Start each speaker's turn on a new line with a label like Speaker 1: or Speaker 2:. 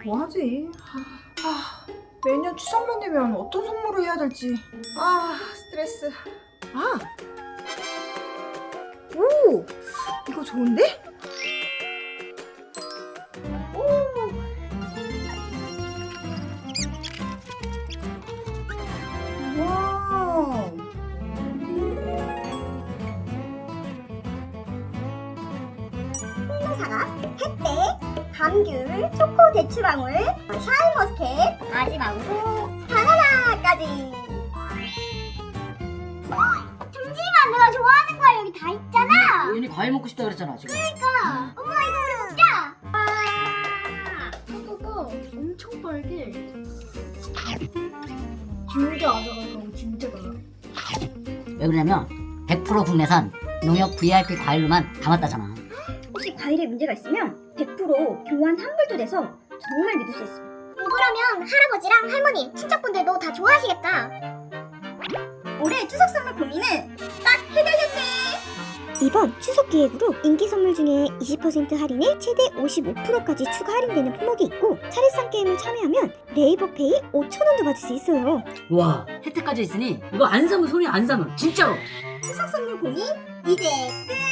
Speaker 1: 뭐하지? 매년 추석만 되면 어떤 선물을 해야 될지. 스트레스. 오! 이거 좋은데? 와.
Speaker 2: 사과, 햇대, 감귤, 초코 대추방울, 샤인머스켓, 마지막으로 바나나까지. 잠시만, 내가 좋아하는 거 여기 다 있잖아.
Speaker 3: 얘네 과일 먹고 싶다 그랬잖아 지금.
Speaker 2: 그러니까 엄마 이거 진짜.
Speaker 4: 사과가 엄청 빨개. 진짜 아삭아삭하고 진짜 달아.
Speaker 3: 왜 그러냐면 100% 국내산 농협 VIP 과일로만 담았다잖아.
Speaker 2: 혹시 과일에 문제가 있으면 100% 교환 환불도 돼서 정말 믿을 수 있습니다. 이거라면 할아버지랑 할머니, 친척분들도 다 좋아하시겠다. 올해 추석 선물 고민은 딱 해결됐네. 이번 추석 기획으로 인기 선물 중에 20% 할인에 최대 55%까지 추가 할인되는 품목이 있고, 차례상 게임을 참여하면 네이버페이 5,000원도 받을 수 있어요.
Speaker 3: 와, 혜택까지 있으니 이거 안 사면 손이 안 사면 진짜로.
Speaker 2: 추석 선물 고민 이제 끝!